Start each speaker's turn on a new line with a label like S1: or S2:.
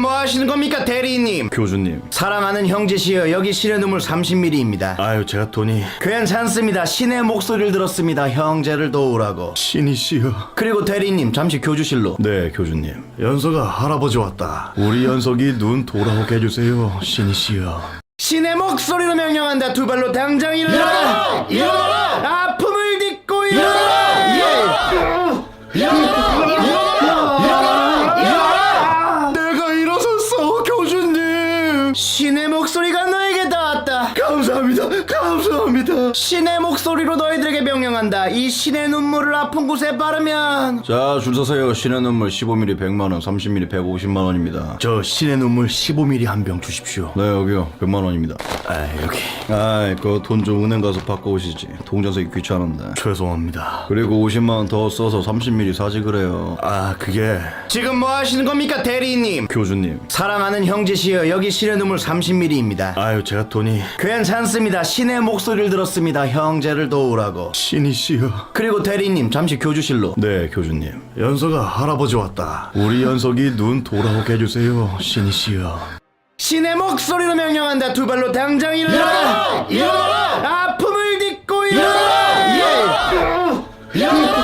S1: 뭐 하시는 겁니까 대리님?
S2: 교주님.
S1: 사랑하는 형제시여, 여기 신의 눈물 30ml입니다.
S2: 아유, 제가 돈이.
S1: 괜찮습니다. 신의 목소리를 들었습니다. 형제를 도우라고.
S2: 신이시여.
S1: 그리고 대리님, 잠시 교주실로.
S2: 네, 교주님. 연서가 할아버지 왔다. 우리 연석이 눈 돌아오게 해주세요. 신이시여.
S1: 신의 목소리로 명령한다. 두 발로 당장 일어나라! 일어나라! 아픔을 딛고 일어나라!
S2: 내가 일어섰어, 교주님.
S1: 신의 목소리가 너에게 닿았다.
S2: 감사합니다. 감사합니다.
S1: 신의 목소리로 너희들에게 명령한다. 이 신의 눈물을 아픈 곳에 바르면.
S2: 자, 줄 서세요. 신의 눈물 15ml 100만원, 30ml 150만원입니다.
S1: 저 신의 눈물 15ml 한 병 주십시오.
S2: 네, 여기요. 100만원입니다.
S1: 아, 여기.
S2: 아이, 그 돈 좀 은행 가서 바꿔오시지. 통장석이 귀찮은데.
S1: 죄송합니다.
S2: 그리고 50만원 더 써서 30ml 사지 그래요.
S1: 아, 그게. 지금 뭐 하시는 겁니까 대리님?
S2: 교주님.
S1: 사랑하는 형제시여, 여기 신의 눈물 30ml입니다.
S2: 아유, 제가 돈이.
S1: 괜찮습니다. 신의 목소리를 들었습니다. 형제를 도우라고.
S2: 신이시여.
S1: 그리고 대리님, 잠시 교주실로.
S2: 네, 교주님. 연서가 할아버지 왔다. 우리 연석이 눈 돌아오게 해주세요. 신이시여.
S1: 신의 목소리로 명령한다. 두 발로 당장 일어나라! 일어나라! 아픔을 딛고 일어나라!